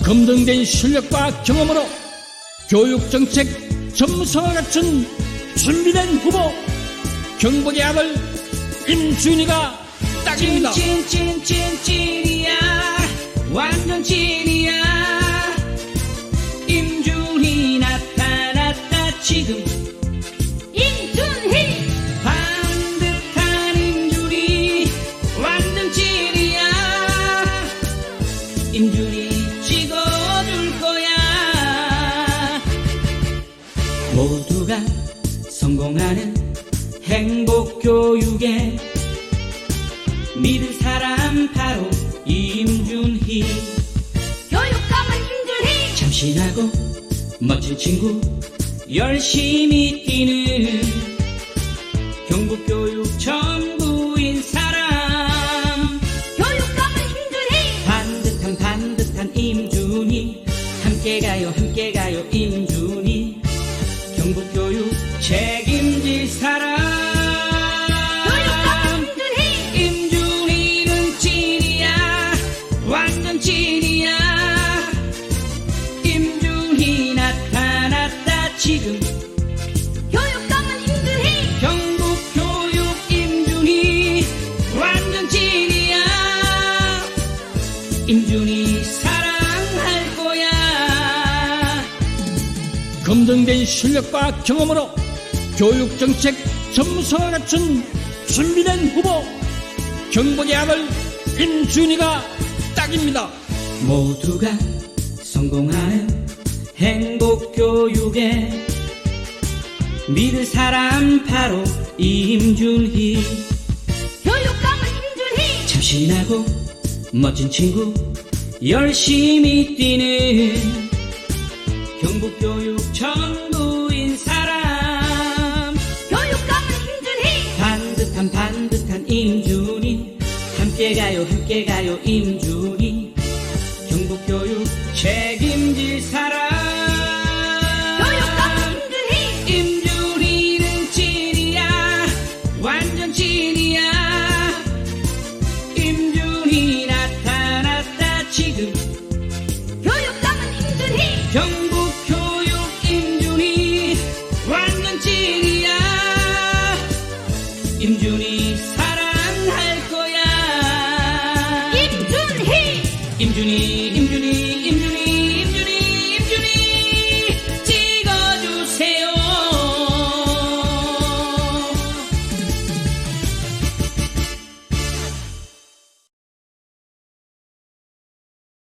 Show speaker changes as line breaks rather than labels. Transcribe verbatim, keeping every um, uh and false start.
검증된 실력과 경험으로 교육정책 점성을 갖춘 준비된 후보 경복의 아들 임준희가 딱입니다.
찐찐찐찐찐이야, 완전 찐이야. 임준희 나타났다 지금.
임준희
반듯한 임준희 완전 찐이야. 임준희 찍어줄 거야. 모두가 성공하는 행복교육에 믿을 사람 바로 임준희.
교육감은 임준희.
참신하고 멋진 친구, 열심히 뛰는 경북교육 전부인 사람.
교육감은 임준희.
반듯한 반듯한 임준희, 함께 가요 함께 가요 임준희. 경북교육 책임질 사람.
교육감은 임준희.
임준희는 찐이야, 완전 찐이야. 임준희 나타났다 지금.
교육감은 임준희.
경북교육 임준희 완전 찐이야. 임준희 사랑할 거야.
검증된 실력과 경험으로 교육정책 점성을 갖춘 준비된 후보 경복의 아들 임준희가 딱입니다.
모두가 성공하는 행복교육에 믿을 사람 바로 임준희.
교육감은 임준희.
참신하고 멋진 친구, 열심히 뛰는 경북교육 전부인 사람.
교육감은 임준희.
반듯한 반듯한 임준희, 함께 가요 함께 가요 임준희. 경북교육 책임질 사람.
교육감은 임준희.
임준희는 찐이야, 완전 찐이야. 임준희 나타났다 지금.
교육감은 임준희.
경북교육 임준희 완전 찐이야. 임준희 사랑할 거야.
임준희.
임준희 임준희 임준희